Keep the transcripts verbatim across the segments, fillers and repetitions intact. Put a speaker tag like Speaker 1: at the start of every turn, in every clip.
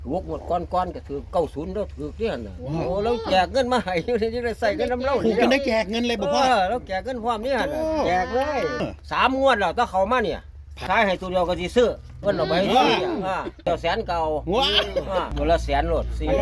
Speaker 1: ถูกหมดก้อนๆก็ถือเก้าศูนย์แล้วถือเนี่ยน่ะโอ้แล้วแจกเงินมาให้อยู่นี่จะได้ใส่เงินน้ำเล่า
Speaker 2: ถูกจนได้แจกเงินเลยบอกพ่อ
Speaker 1: เออแล้วแจกเงินพร้อมนี่หั่นน่ะ
Speaker 2: โอ้
Speaker 1: แจกเลยสามงวดแล้วถ้าเขามาเนี่ยขายให้ตัวเดียวก็สิซื้อเพิ่นเอาไปให้ซื้อเนี่ยอ่าเจ้าแสนเก่า
Speaker 2: ว้า
Speaker 1: อ่าตัวละแสนโลดสี่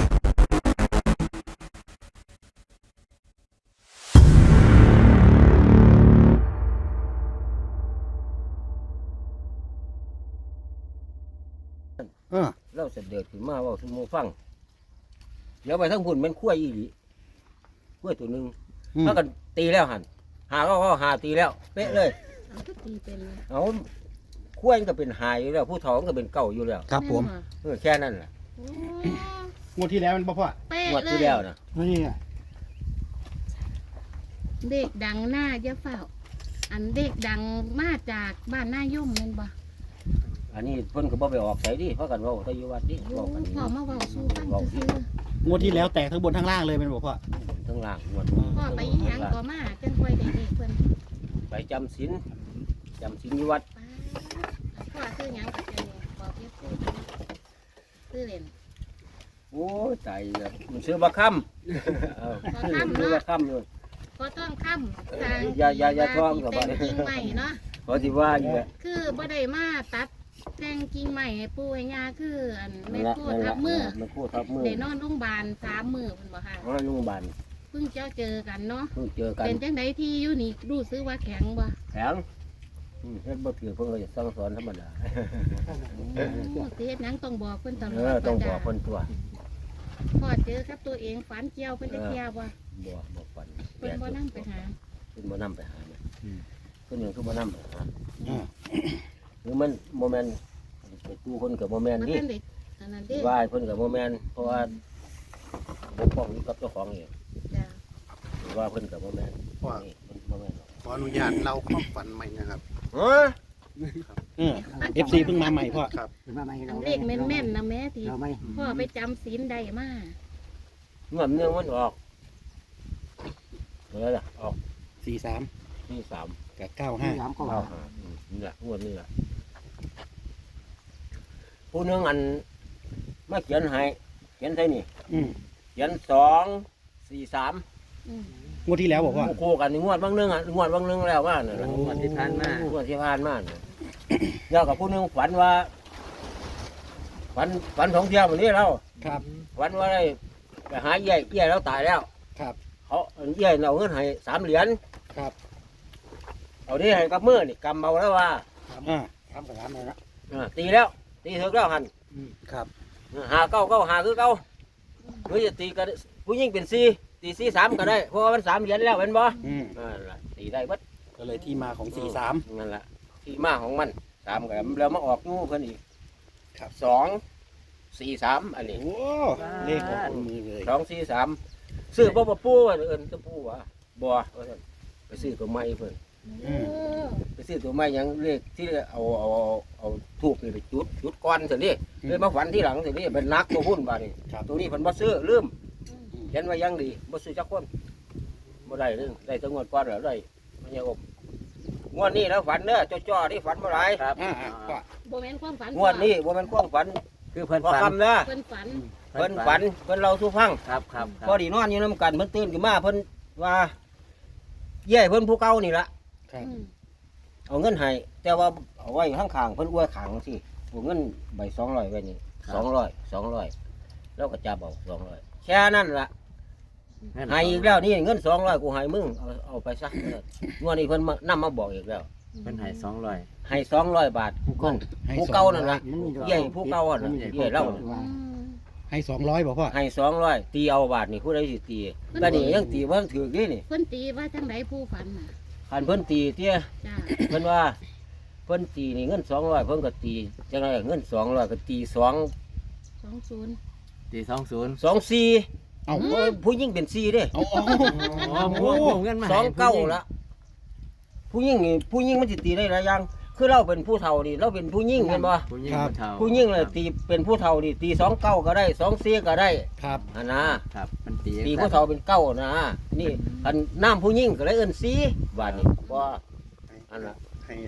Speaker 2: เออ
Speaker 1: เราเสด็จขึ้นมาเว่าสู่หมู่ฟังเดี๋ยวไปทั้งพุ่นมันขั้วอีหลีขั้วตัวหนึง
Speaker 2: อืม
Speaker 1: ถ้ากันตีแล้วหันหาก็ก็หาตีแล้วเป๊ะเลย
Speaker 3: เอาก็ตีเป็นเลย
Speaker 1: เอาขั้วมันก็เป็นหายอยู่แล้วผู้เฒ่ามันก็เป็นเก่าอยู่แล้ว
Speaker 2: ครับผม
Speaker 1: เออแค่นั้นแหละ
Speaker 3: โอ้
Speaker 2: งวดที่แล้วมันบอกพ่อ
Speaker 3: เป๊ะ
Speaker 1: งวด
Speaker 3: เล
Speaker 1: ที่
Speaker 3: ย
Speaker 1: แล้วนะ
Speaker 2: นี่ไง
Speaker 3: เด็กดังหน้าเยอะเฝ้า อันเด็กดังมาจากบ้านหน้าย่มแม่นบ่
Speaker 1: อันนี้เพิ่นก็บ่ไปออกใส่ดิเพราะกันเว่าแต่อยู่วัดดิ
Speaker 3: โอ้
Speaker 1: เว้ากัน
Speaker 3: พ่อมาเว้าสู่ฟัง
Speaker 1: เว้า
Speaker 3: ซื่อง
Speaker 2: วดที่แล้วแตกทั้งบนทั้งล่างเลยมันบอกพ่อ
Speaker 1: ทั้งล่างงวด
Speaker 3: ๆพ่อไปอีหยังก็มาจังค่อยได้เด็กเพิ่น
Speaker 1: ไปจำศีลจำศีลอยู่วัด
Speaker 3: ป้าพ่อซื้อหยังก็จะเนี่ยบอกเฮ็ดซื้อซื้อเล่น
Speaker 1: โอ้ยตายแล้วมันซื้อบักค่ำเออซื้อบักค่ำอยู่
Speaker 3: ก็ต้องค้ำทาง
Speaker 1: อย่าอย่าอย่าท่องกับ
Speaker 3: แต่
Speaker 1: บ้าน
Speaker 3: งกิ่งใหม่เนาะ
Speaker 1: เพราะที่ว่าอยู่แหละ
Speaker 3: คือบ่ได้มาตัดแต่งกิ่งใหม่ให้ปู่ให้ย่าคืออันแม่
Speaker 1: นั่นละ
Speaker 3: โค
Speaker 1: นั่น
Speaker 3: ทั
Speaker 1: ละ
Speaker 3: บมือ
Speaker 1: มันคู่ทับมือ
Speaker 3: ได้นอนโรงพยาบาลสามมื้อเพิ่นบ่ค่ะ
Speaker 1: อ๋อโรงพยาบาล
Speaker 3: เพิ่งเจ้าเจอกันเนาะ
Speaker 1: เพิ่งเจอกัน
Speaker 3: เป็นจังไดที่อยู่นี่รู้สึกว่าแข็งบ่
Speaker 1: แข็งอืมเฮ็ดบ่ถือเพิ่นก็จะสั่งสอนธรรมดา
Speaker 3: โอ้สิเฮ็ดหยังต้องบอกเพิ่นตล
Speaker 1: เอ
Speaker 3: อด
Speaker 1: อต้องบอกเพิ่นตัว
Speaker 3: พอเจอกับตัวเองฝันเกี่ยวเพิ่นจะเกี่ยวบ่
Speaker 1: บ่บ่ฝัน
Speaker 3: เพิ่นบ่นำไปหา
Speaker 1: เพิ่นบ่นำไปหาเนี่ยเพิ่นยังคือบ่นำไปหา
Speaker 2: อ่า
Speaker 1: หรือมันบ่แม่นไปตู้เพิ่นก็บ่แม่น
Speaker 3: บ่
Speaker 1: ดิ
Speaker 3: ทันได้อันนั้นเด้
Speaker 1: ว่าให้เพิ่นก็บ่แม่นเพราะว่าบกป้องอยู่กับเจ้าของเอง
Speaker 3: จ้ะ
Speaker 1: หรือว่าเพิ่นก็บ่แม่น
Speaker 2: พ่อ
Speaker 1: นี่เพิ่นบ่แม่นหรอก
Speaker 4: ขออนุญาตเล่าความฝันใหม่นะครับ
Speaker 1: เฮ้ย
Speaker 2: เออเอฟซีเพิ่งมาใหม่พ่อ
Speaker 4: ครับ
Speaker 3: อันเลขแม่นๆนะแม่ที่พ่อไปจำศีลได้มา
Speaker 1: เงินเนื่องมันออกเท่าไหร่ล่ะออก
Speaker 2: สี่สาม
Speaker 1: ที่สาม
Speaker 2: กับเก้าห้า
Speaker 1: เก้าห้าอืมนี่แหละงวดนี้แหละผู้หนึงอันมาเขียนให้เขียนใส่นี่
Speaker 2: อืม
Speaker 1: เขียนสองสี่สาม
Speaker 3: อืม
Speaker 2: งวดที่แล้วบอกพ่อ
Speaker 1: คู่กันนี่งวดบางหนึงอ่ะงวดบางหนึงแล้วว่าน่ะ
Speaker 2: โอ้
Speaker 1: งวดที่ผ่านมางวดที่ผ่านมาน่ะแล้วกับผู้หนึงฝันว่าฝันฝันสองเที่ยววันนี้เรา
Speaker 2: ครับ
Speaker 1: ฝันว่าได้ไปหาเอี้ยเอี้ยแล้วตายแล้ว
Speaker 2: ครับ
Speaker 1: เขาเอี้ยเอาเงินให้สามเหรียญ
Speaker 2: ครับ
Speaker 1: เอานี่ให้กับมือนี่กำเอาแล้วว่า
Speaker 2: อ่าทำกับร้านเลยนะ
Speaker 1: อ่าตีแล้วตีถึกแล้วหัน
Speaker 2: ครับ
Speaker 1: หาเก้าเก้าหาคือเก้าหรือจะตีกันผู้หญิงเป็นสี่ตีสี่สามก็ได้เพราะว่ามันสามเหรียญแล้วเป็นบ่
Speaker 2: อืม
Speaker 1: นั่นล่ะตีได้เบัด
Speaker 2: ก็เลยที่มาของสี่สาม
Speaker 1: นั่นแหละที่มาของมันสามกันแล้วมาออกนู่เพิ่นอีก
Speaker 2: ครับ
Speaker 1: สองสี่สามอันนี้
Speaker 2: โอ้เลขของคนมือเลย
Speaker 1: สองสี่สามซื้อบ่บ่ปูว่าเอิ้นตะปูว่าบ่ว่าซั่นไปซื้อตัวใหม่เพิ่น
Speaker 3: โอ้
Speaker 1: ไปซื้อตัวใหม่หยังเลขที่เอาเอาเอาเอาทูบนี่ไปจุดจุดก่อนซั่นดิเลยมาฝันที่หลังซั่นดิเป็นนักตัวหุ้นบาดนี้
Speaker 2: ครับ
Speaker 1: ตัวนี้เพิ่นบ่ซื้อลืมเขียนไว้อยังดีบ่ซื้อจักคนบ่ได้เลยได้แต่งวดก่อนแล้วได้มันยังอบงวดนี้แล้วฝันเด้อจ้อๆที่ฝันบ่หลายครับ
Speaker 2: อ่าอ่าพ่อ
Speaker 3: บ่แม่นความฝัน
Speaker 1: งวดนี้บ่แม่นความฝัน
Speaker 5: คือเพิ่น
Speaker 1: พอ
Speaker 5: ฝัน
Speaker 1: คำเด้อ
Speaker 3: เพิ่นฝัน
Speaker 1: เพิ่นฝันเพิ่นเล่าสู่ฟัง
Speaker 5: ครับครับค
Speaker 1: พอ
Speaker 5: รับ
Speaker 1: ดีนอนอยู่นํกันเพิ่นตื่นขึ้นมาเพิ่นว่าเย่เพิ่นผู้เก่านี่ล่ะ
Speaker 2: ครับ
Speaker 3: อืม
Speaker 1: เอาเงินให้แต่ว่าเอาไว้ข้างๆเพิ่นอวยขังสิเอาเงินใบสองร้อยไว้นี่สองร้อยสองร้อยแล้วก็จับเอาสองร้อยแค่นั้นล่ะให้อีกแล้วนี่เงินสองร้อยกูให้มึงเอาเอาไปซะเอองวดนี้เพิ่นมานำมาบอกอีกแล้ว
Speaker 5: เพิ่นให้สองร้อย
Speaker 1: ให้สองร้อยบาทผู้เก่า
Speaker 2: ให้
Speaker 1: ผู้
Speaker 2: สอ
Speaker 1: เก่าง นั่น
Speaker 2: ร้อย
Speaker 1: ล่ะเย่ผู้เก่าอ่ะน่ะเย่เล่าน่ะ
Speaker 3: อืม
Speaker 2: ให้สองร้อยบอกพ่อ
Speaker 1: ให้สองร้อยตีเอาบาทนี่ผู้ใดสิตีก็นี่ยังตีว่าถือนี่นี่
Speaker 3: เพิ่นตีว่าจังไดผู้ฝันน่ะ
Speaker 1: คันเพิ่นตีเตี้ย
Speaker 3: จ้า
Speaker 1: เพิ่นว่าเพิ่นตีนี่เงินสองร้อยเพิ่นก็ตีจังไรเงินสองร้อยก็ตีสอง
Speaker 3: สองศูนย์
Speaker 5: ตีสองศูนย์
Speaker 1: สองสี่
Speaker 2: เอา
Speaker 1: โอ้ยผู้หญิงเป็นสี่เด้
Speaker 2: เอาเอา
Speaker 5: อ๋อพวกพวกเงินมา
Speaker 1: สองเก้าละผู้หญิงนี่ผู้หญิงมันสิตีได้หลายอย่างคือเราเป็นผู้เฒ่านี่เราเป็นผู้หญิงเห็นบ่
Speaker 5: ผู้หญิงผู้เฒ่า
Speaker 1: ผู้หญิงเลยตีเป็นผู้เฒ่านี่ตีสองเก้าก็ได้สองสี่ก็ได้
Speaker 2: ครับ
Speaker 1: อันนะครับ
Speaker 5: มันตี
Speaker 1: ตีผู้เฒ่าเป็นเก้านะนี่อันน้ำผู้หญิงก็เลยเอิ้นสี่บาทนี่บ่อันน่ะ
Speaker 4: ให้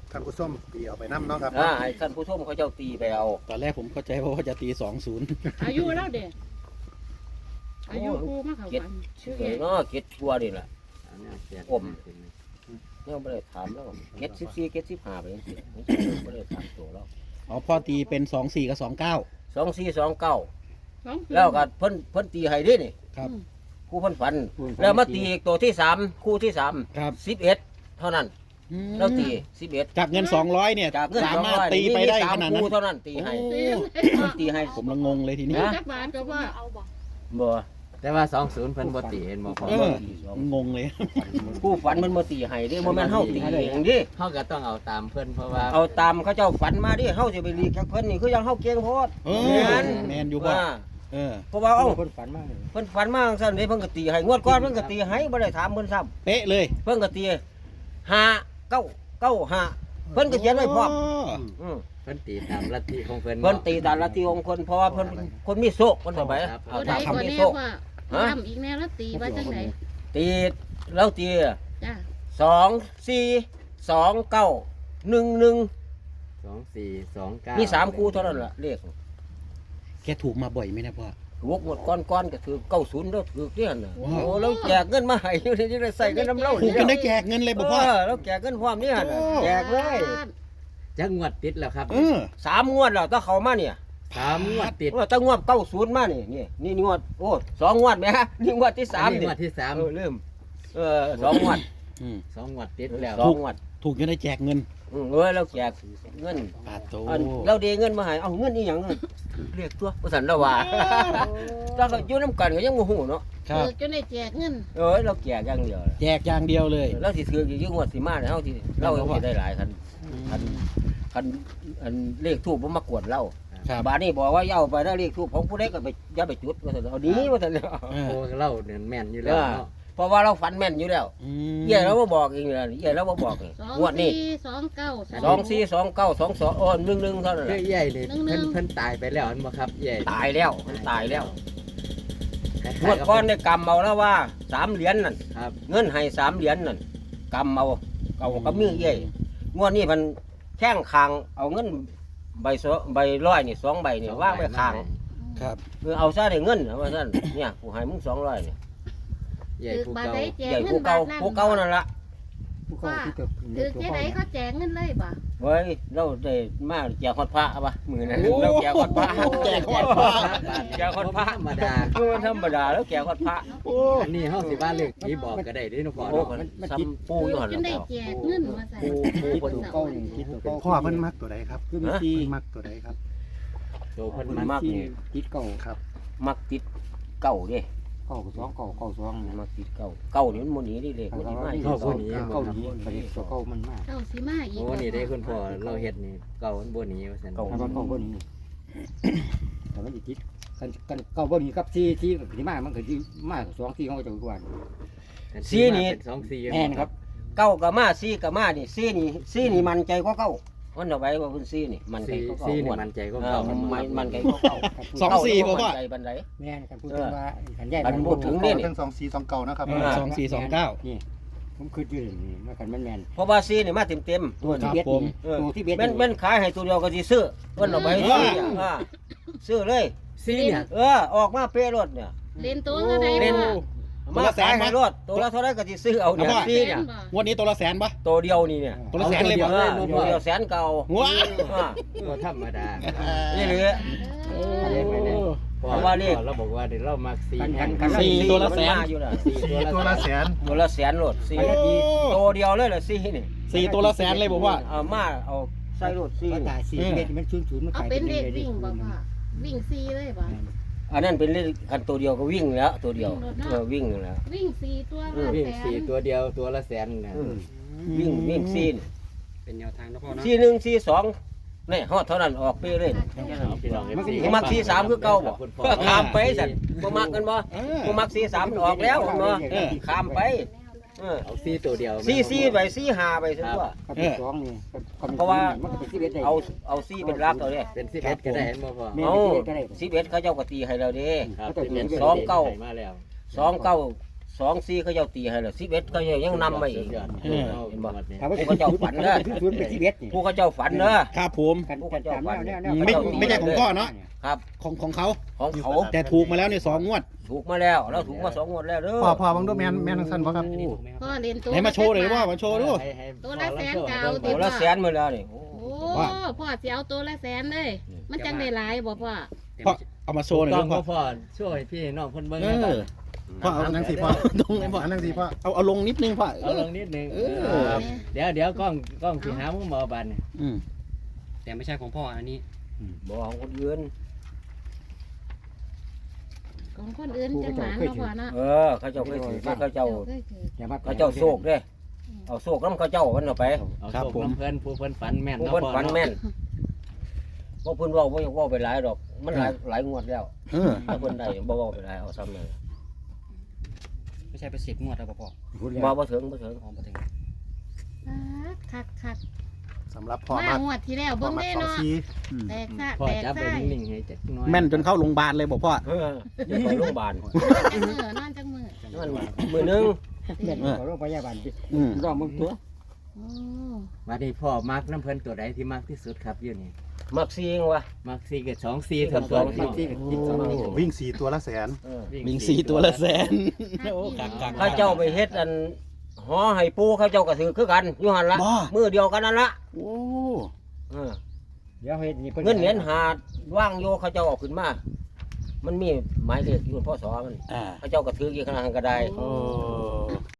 Speaker 4: ท่านผู้ชมตีเอาไปน้ำเนาะครับ
Speaker 1: อ่าให้ท่านผู้ชมเขาเจ้าตีไปเอา
Speaker 2: ตอนแรกผมเข้าใจว่าจะตีสองศูนย์
Speaker 3: อายุแล้วเด็กอายุครูมาเขา
Speaker 1: เก็ด
Speaker 3: วันชื่อ
Speaker 1: เอ
Speaker 3: เอ
Speaker 1: อง เนาะเก็ดกลัวนี่แหละ
Speaker 5: เอาเนี่ยเสีย
Speaker 1: อม เนี่ยไม่ได้ถามแล้วเก็ดสิบสี่เก็ดสิบห้าไปยังสิไม่ได้ถามตัวแล้ว
Speaker 2: อ๋อพ่อตีเป็นสองสี่กับสองเก้า
Speaker 1: สองสี่สองเก้า
Speaker 3: สองคืน
Speaker 1: แล้วก็เพิ่นเพิ่นตีให้ดินี่
Speaker 2: ครับ
Speaker 1: คู่เพิ่นฝัน แล้วมาตีอีกตัวที่สามคู่ที่สาม
Speaker 2: ครับ
Speaker 1: สิบเอ็ดเท่านั้น
Speaker 2: อืม
Speaker 1: แล้วตีสิบเอ็ด
Speaker 2: จากเงินสองร้อยเนี่ย
Speaker 1: จากเงิน
Speaker 2: สา
Speaker 1: สอง
Speaker 2: มารถ
Speaker 1: ร้อย
Speaker 2: ตีไปได้
Speaker 1: สา
Speaker 2: ข
Speaker 1: ม
Speaker 2: นาดนั้น
Speaker 1: คู่เท่านั้นตีให้
Speaker 2: โอ้
Speaker 1: เพิ่นตีให้
Speaker 2: ผมละงงเลยทีนี้
Speaker 3: จักบาทก็ว่า
Speaker 1: บ่
Speaker 5: แต่ว่าสองศูนย์เพิ่นบ่ตีเห็นบ่พอ
Speaker 2: เอองงเลย
Speaker 1: คู่ฝันมันมาตีให้เดิบ่แม่นเฮาตีเองดิ
Speaker 5: เฮาก็ต้องเอาตามเพิ่นเพราะว่า
Speaker 1: เอาตามเขาเจ้าฝันมาดิเฮาสิไปรีกจากเพิ่นนี่คือยังเฮาเก่งโพด
Speaker 2: เออ
Speaker 1: แม่น
Speaker 2: แมนอยู่พ่อ
Speaker 1: ว่า
Speaker 2: เออ
Speaker 1: เพราะว่าเอ้า
Speaker 6: คนฝันมากเลย
Speaker 1: เพิ่นฝันมาจังซั่นเด้เพิ่นก็ตีให้งวดก่อนเพิ่นก็ตีให้บ่ได้ถามเพิ่นซ้ำ
Speaker 2: เป๊ะเลย
Speaker 1: เพิ่นก็ตีห้าเก้าเก้าห้าเพิ่นก็เขียนไว้พร้อมอืม
Speaker 5: เพิ่นตีตามลัทธิของเพิ่น
Speaker 1: เพิ่นตีตามลัทธิของคนเพราะว่าเพิ่นคนมีโชคเพิ่นว่าไป
Speaker 5: ครับ
Speaker 1: เอา
Speaker 3: ตัวใด
Speaker 1: ตาม
Speaker 3: ก็
Speaker 1: คำมี
Speaker 3: แน่
Speaker 1: โชค
Speaker 3: ว่า
Speaker 1: ฮะ
Speaker 3: ทำอีกแน่แล้วตีว่าจังไหน
Speaker 1: ตีแล้วตี
Speaker 3: จ้า
Speaker 1: สองสี่สองเก้าหนึ่งหนึ่ง
Speaker 5: สองสี่สองเก้า
Speaker 1: มี
Speaker 5: มี
Speaker 1: สามคู่เท่านั้นล่ะเลข
Speaker 2: แกถูกมาบ่อยไหมนะพ่อ
Speaker 1: วกหมดก้อนก้อนๆก็ถือเก้าศูนย์แล้วถือเรี่ยนน่ะ
Speaker 2: ว้าว
Speaker 1: โอ้แล้วแจกเงินมาให้อยู่นี่จะได้ใส่เงินน้ำเล่า
Speaker 2: ถูกจนได้แจกเงินเลยบอกพ่อ
Speaker 1: เออแล้วแจกเงินพร้อมนี่หั่นน่ะ
Speaker 2: โอ้
Speaker 1: แจกเลย
Speaker 5: จักงวดติดแล้วครับ
Speaker 2: เออ
Speaker 1: สามงวดแล้วถ้าเขามาเนี่ย
Speaker 5: สามงวดติด
Speaker 1: ว่าตั้งงวดเก้าศูนย์มานี่นี่นี่งวดโอ้สองงวดไหมฮะนี่งวดที่สาม
Speaker 5: อันนี้
Speaker 1: นี่
Speaker 5: งวดที่สาม
Speaker 1: เออเริ่มเออสองงวด
Speaker 2: อืม
Speaker 5: สองงวดติดแล้ว
Speaker 1: สองงวด
Speaker 2: ถูกจนได้แจกเงิน
Speaker 1: อืมเออเราแจกเงิน
Speaker 2: ปาโต
Speaker 1: อันเราเดเงินมาให้เอาเงินนี่อย่างเงินเรียกตัวว่าสันละว่าแล้วก็อยู่น้ำกันก็ยังโมโหเนาะ
Speaker 2: ครับ
Speaker 3: เออจนได้แจกเงิน
Speaker 1: เออเราแจกอย่างเดียว
Speaker 2: แจกอย่างเดียวเลย
Speaker 1: เราสิถืออยู่ยิ่งงวดสิมาเนี่ยเฮาสิเราสิได้หลายคันคันคันอันเลขทูบบ่มากวนเรา
Speaker 2: ครับ
Speaker 1: บาดนี้บอกว่าอย่าเอาไปได้เลขทูบของผู้ใดก็ไปอย่าไปจุดว่าซั่นเอาดีว่าซั่น
Speaker 2: เออ
Speaker 5: โอ้เล่าเนี่ยแม่นอยู่แล้วเนาะ
Speaker 1: เพราะว่าเราฝันแม่นอยู่แล้ว
Speaker 2: อืม
Speaker 1: เย่เราบ่บอกเองเลยเย่เราบ่บอกเอง
Speaker 3: สอง
Speaker 1: งวดนี้
Speaker 3: สี่สองเก้า
Speaker 1: สองสี่สองเก้าสองสองอ้อนหนึ่งหนึ่งเท่านั้นแห
Speaker 5: เรื่อ
Speaker 1: ละ
Speaker 5: ยใหญ่เลย
Speaker 3: หนึ่งๆ
Speaker 5: เพิ่นเพิ่นตายไปแล้วอันบ่ครับใหญ่
Speaker 1: ตายแล้วมันตายแล้ว
Speaker 5: คล้ายๆ
Speaker 1: งวดก้อนได้กำเอาแล้วว่าสามเหรียญนั่น
Speaker 5: ครับ
Speaker 1: เงินให้สามเหรียญนั่นกำเอาเอากับมือเย่งวดนี้มันแข้งคางเอาเงินใบสอใบร้อยนี่สองใบนี่ว่างไว้คาง
Speaker 2: ครับ
Speaker 1: คือเอาซะได้เงินว่าซั่นเนี่ยกูให้มึงสองร้อยเนี่ย
Speaker 5: ใหญ่
Speaker 3: ถือ
Speaker 5: ผู้
Speaker 3: บาท
Speaker 5: เก่า
Speaker 3: ได้แจก
Speaker 1: ใหญ่
Speaker 3: เงิ
Speaker 1: ผู้
Speaker 3: นบา
Speaker 1: เก่า
Speaker 3: ทนั้น
Speaker 1: ผู้เก่านั่นละ
Speaker 6: ผู้เข้าที่เกิด
Speaker 3: ถือแค่ไหนเขาแจกเงินเลยบ่
Speaker 1: เฮ้ยเราได้มาแจกฮอดพระปะมือนั้นเราแจกฮอดพระ
Speaker 2: แจกฮอดพระ
Speaker 1: แจกฮอดพระ
Speaker 5: ธรรมดา
Speaker 1: คือมันธรรมดาแล้วแจกฮอดพระ
Speaker 2: โอ้
Speaker 5: อันนี้เฮาสิว่าเลขผีบอกก็ได้เด้เนาะพ่อ
Speaker 1: โอ้
Speaker 5: เนาะ
Speaker 1: มันซ้ำปูอยู่หั่น
Speaker 3: จนได้
Speaker 1: แล้ว
Speaker 3: แจกเงินมาใส่
Speaker 1: ปูปู
Speaker 6: ตัวเก้านี่คิดตัวเก้า
Speaker 4: พ่อเพิ่นมักตัวใดครับ
Speaker 6: คือมีซี
Speaker 4: เพิ่นมักตัวใดครับ
Speaker 5: โตเพิ่น
Speaker 1: มั
Speaker 5: มาก
Speaker 6: ซีคิดเก้า
Speaker 4: ครับ
Speaker 1: มักติดเก่าเด้
Speaker 6: เก้าสองเก้าเก้าสอง
Speaker 1: มักติดเก่าเก่านี่มันบ่หนีดิเลขมันสิมาอีก
Speaker 6: เก้าคนนี้เก้านี้ประเด็นตัวเก้ามันมาก
Speaker 3: เก้าสิมาอีก
Speaker 5: โอ้นี่ได้คุณพ่อเราเฮ็ดนี่เก่ามันบ่หนีว่าซั่น
Speaker 6: แล้วก็เก้าคนนี้แต่มันคิดกันกันเก้าคนนี้กับซีซีที่มากมันก็ที่มากสองซีเขาจะกวน
Speaker 1: ซีนี่
Speaker 5: เป็นสองสี่
Speaker 6: แม่นครับ
Speaker 1: เก่าก็มาซีก็มานี่ซีนี่ซีนี่มันใจกว่าเก่ามันเอาไว้ว่าเพิ่นซีนี่มันใจ
Speaker 5: สี่
Speaker 1: กว่าเก่า
Speaker 5: สี่นี่
Speaker 1: ม่วน
Speaker 5: มันใจก็
Speaker 1: เออ
Speaker 5: เก่า
Speaker 1: มันมันมันใจกว่าเก่า
Speaker 2: สองสี่
Speaker 1: เก่า
Speaker 2: บ่พ่อ
Speaker 1: มันใจบันได
Speaker 6: แม่นกันพูดถึงว่าขันใหญ่
Speaker 1: อันพูดถึง
Speaker 4: พ่อทั้งสองสี่สองเก่านะครับ
Speaker 2: เออสองสี่สองเก้า
Speaker 6: นี่ผมคือยืนนี่มากันแม่นแม่น
Speaker 1: เพราะว่าซีนี่มาเต็มเต็ม
Speaker 6: ตัวที่เบ็ดนี่ตัวที่เบ็ด
Speaker 1: แม่นแม่นขายให้ตัวเดียวก็สิซื้อเพิ่นเอาไปซื้อเนี่ยอ่าซื้อเลย
Speaker 5: สี่เนี่ย
Speaker 1: เออออกมาเป๊ะรถเนี่ย
Speaker 3: เล่นตัวก็ได้
Speaker 1: เล่น
Speaker 3: บ่
Speaker 1: มาขายให้รถตัวละเท่าไรก็สิซื้อเอาเนี่ย
Speaker 2: เอาว่า
Speaker 1: ซีเนี่ย
Speaker 2: งวดนี้ตัวละแสนปะ
Speaker 1: ตัวเดียวนี่เนี่ย
Speaker 2: ตัวละแสนเลย
Speaker 1: เอ
Speaker 2: บ่
Speaker 1: อตัวเดียวแสนเก่า
Speaker 2: ว้า
Speaker 1: อ่า
Speaker 5: บ่ธรรมดา
Speaker 1: นี่เหลือ
Speaker 3: เอ
Speaker 2: โอ้
Speaker 3: อ
Speaker 5: พ่อ
Speaker 1: เพราะว่านี่
Speaker 5: พ่อเราบอกว่าเดี๋ยวเรามักสี่
Speaker 6: กันกัน
Speaker 2: สี่ตัวละแสน
Speaker 1: มัมาอยู่น่ะ
Speaker 5: สี่
Speaker 4: สี่ตัวละแสน
Speaker 1: ตัวละแสนรถซี
Speaker 2: โอ้
Speaker 1: ตัวเดียวเลยล่ะซีนี่
Speaker 2: สี่ตัวละแสนเลยบอกว่า
Speaker 1: เอามาเอาใส่รถซี
Speaker 6: ก็
Speaker 1: นี่
Speaker 6: ตายสี่เบ็ดมันชุนชุนมัน
Speaker 3: เอาเป็นเลขวิ่งบ่พ่อวิ่งซีเลยบ่
Speaker 1: อันนั้นเป็นเลขคันตัวเดียวก็วิ่งแล้วตัวเดียว
Speaker 3: วิ่งรถเนอะ
Speaker 1: เออวิ่งแล้ว
Speaker 3: วิ่งสี่ตัว
Speaker 1: อืม
Speaker 3: ละ
Speaker 5: วิ่ง
Speaker 3: แส
Speaker 5: สี่
Speaker 3: น
Speaker 5: ตัวเดียวตัวละแสนนะ
Speaker 1: อืมวิ่งวิ่งซีน
Speaker 6: เป็นแนวทางนะพ่อนะ
Speaker 1: ซีหนึ่งซีสองนี่ฮอดเท่านั้นออกไปเลย
Speaker 5: พี่น้อง
Speaker 6: มันก็ดี
Speaker 1: บ่มักซีสามคือเก่าบ่
Speaker 5: คุณพ่อ
Speaker 1: ข้ามไปสั่นบ่มักกันบ่
Speaker 2: เออ
Speaker 1: บ่มักซีสามมันออกแล้วเนาะข้ามไปเออ
Speaker 5: เอาสี่ตัวเดียว
Speaker 1: ซีซีไปซีห้าไปซะตัว
Speaker 6: กับเป็นสองนี่มันก็เป็นสิบเอ็ดได้
Speaker 1: เอาเอาซีเป็นรักเอาเด้
Speaker 5: เป็นสิบเอ็ดก็ได้เห็นบ่พ่อ
Speaker 6: แม่
Speaker 1: เอา
Speaker 6: นสิบเอ็ดก็ได้
Speaker 1: สิบเอ็ดเขาเจ้าก็ตีให้เราเด้
Speaker 5: ครับ
Speaker 6: ก็
Speaker 5: สิบเอ็ด
Speaker 1: สองเก้า
Speaker 5: มาแล้ว
Speaker 1: สองเก้าสองสี่เขาเจ้าตีให้แล้วสิบเอ็ดเขาเจ้ายังนำมาอีก
Speaker 5: สุดยอด
Speaker 2: เออ
Speaker 5: เห็นบ่เนี่ย
Speaker 6: ถ้าว่า
Speaker 1: ผู้เขาเจ้าฝันเด้อ
Speaker 6: ศูนย์เป็นสิบเอ็ดนี่
Speaker 1: ผู้เขาเจ้าฝันเด้อ
Speaker 2: ครับผม
Speaker 6: กันกันตามแนวแนวแนว
Speaker 2: ไม่ไม่ใช่ของพ่อเนาะ
Speaker 1: ครับ
Speaker 2: ของของเขา
Speaker 1: ของเขา
Speaker 2: แต่ถูกมาแล้วในสองงวด
Speaker 1: ถูกมาแล้วเราถูกมาสองงวดแล้วเด้อ
Speaker 4: พ่อพ่อบางดูแมนแมนทั้งสั้นบ่ครับ
Speaker 3: พ่อเรียนตัว
Speaker 2: ไหนมาโชว์เลยว่ามาโชว์ดู
Speaker 5: ให้ให้
Speaker 3: ตัวละแสนเก่า
Speaker 1: โอ้ละแสนมาแล้วนี่โอ้
Speaker 3: โอ้พ่อสิเอาตัวละแสนเลย มันจังได้หลายบ่พ่อ
Speaker 2: พ่อเอามาโชว์หน่อย
Speaker 5: ต้
Speaker 2: ดู
Speaker 5: อง
Speaker 2: พ่อ
Speaker 5: พ่อช่วยพี่น้องคนเบิ่ง
Speaker 2: เอ
Speaker 5: นะ
Speaker 2: อพ่อเอา
Speaker 4: อันนั่งสิพ่อ
Speaker 2: ตรงไหนพ่อ
Speaker 4: อันนั่งสิพ่อ
Speaker 2: เอาเอาลงนิดนึงพ่อ
Speaker 5: เอาลงนิดนึง
Speaker 2: เออ
Speaker 5: เออเดี๋ยวเดี๋ยวกล้องกล้องสิหามุมบ่บัดเนี่ย
Speaker 2: อืม
Speaker 7: แต่ไม่ใช่ของพ่ออันนี้
Speaker 1: บ่ของคนอื่น
Speaker 3: ของคนอื่นจังหวานเนาะพ่อเนาะ
Speaker 1: เออเขาเจ้าเคยถือเขาเจ้า
Speaker 3: เคยถือ
Speaker 6: อย่ามา
Speaker 1: เขาเจ้าโศกเด้เอาโศกน้ำเขาเจ้าวันเอาไป
Speaker 5: เอาโชคน้ำเพิ่นผู้เพิ่นฝันแม่น
Speaker 1: ผู้
Speaker 5: เนาะ
Speaker 1: เพิ่น
Speaker 5: พ่อ
Speaker 1: ฝัน
Speaker 5: เนาะ
Speaker 1: แม่นบ่เพิ่นเว้าบ่อยากเว้าไปหลายดอก มันหลายหลายงวดแล้ว
Speaker 2: เออ
Speaker 1: ถ้าเพิ่นได้บ่เว้าไปหลายเอาซ้ำเลย
Speaker 7: ไม่ใช่ไปสิบงวดแล้วป่ะพ่อ
Speaker 6: พูดแล้ว
Speaker 1: บ่บ่ถึงบ่ถึง
Speaker 7: อ๋อมาถึง
Speaker 3: คักคัก
Speaker 4: สำหรับพ่อ
Speaker 3: มาม
Speaker 4: าก
Speaker 3: งวดที่แล้ว
Speaker 4: พ่อ
Speaker 3: เบิ่ง
Speaker 4: มาก
Speaker 3: ได้
Speaker 4: สอง
Speaker 3: เนาะ
Speaker 4: สี่
Speaker 3: แตกซะ
Speaker 5: พ่อ
Speaker 3: แตก
Speaker 5: จับไป
Speaker 3: ไส้
Speaker 5: นิ่งๆให้จักหน่อย
Speaker 2: แม่นจนเข้าโรงพยาบาลเลยบอกพ่อ
Speaker 1: เออเดี๋ยวไปโรงพยาบาล
Speaker 3: จังมือนอนจังมือ
Speaker 1: นั่นมื้อหนึง
Speaker 6: แม่นขอโรงพยาบาลดิ
Speaker 2: อืม
Speaker 6: รอมึงตัว
Speaker 3: โอ้
Speaker 5: บัดนี้พ่อมักน้ำเพิ่นตัวใดที่มักที่สุดครับอยู่นี่
Speaker 1: มักซิงวะ
Speaker 5: มักสี่กับสองสี่ส่วน
Speaker 1: ส
Speaker 5: ตัว
Speaker 1: อง
Speaker 5: พี่
Speaker 1: สี่
Speaker 5: น้อง
Speaker 6: ที่ที่สองนี่
Speaker 4: วิ่งสี่ตัวละแสน
Speaker 1: เออ
Speaker 2: มิงสีตัวละแสนโอ้กักกัก
Speaker 1: เขาเจ้าไปเฮ็ดอันหอให้ปูเขาเจ้าก็ถือคือกันอยู่หั่นละ
Speaker 2: บ่
Speaker 1: มื้อเดียวกันนั่นละ
Speaker 2: โอ้
Speaker 1: เออ
Speaker 6: เดี๋ยวเฮ็ดนี่
Speaker 1: เงินเหรียญหาดว่างโยเขาเจ้าเออกขึ้นมา มันมีหมายเลขอยู่พ่อสอมัน
Speaker 2: อ่า
Speaker 1: เขาเจ้าก็ถือกี่ขนาดนั้นก็ได้
Speaker 2: โอ้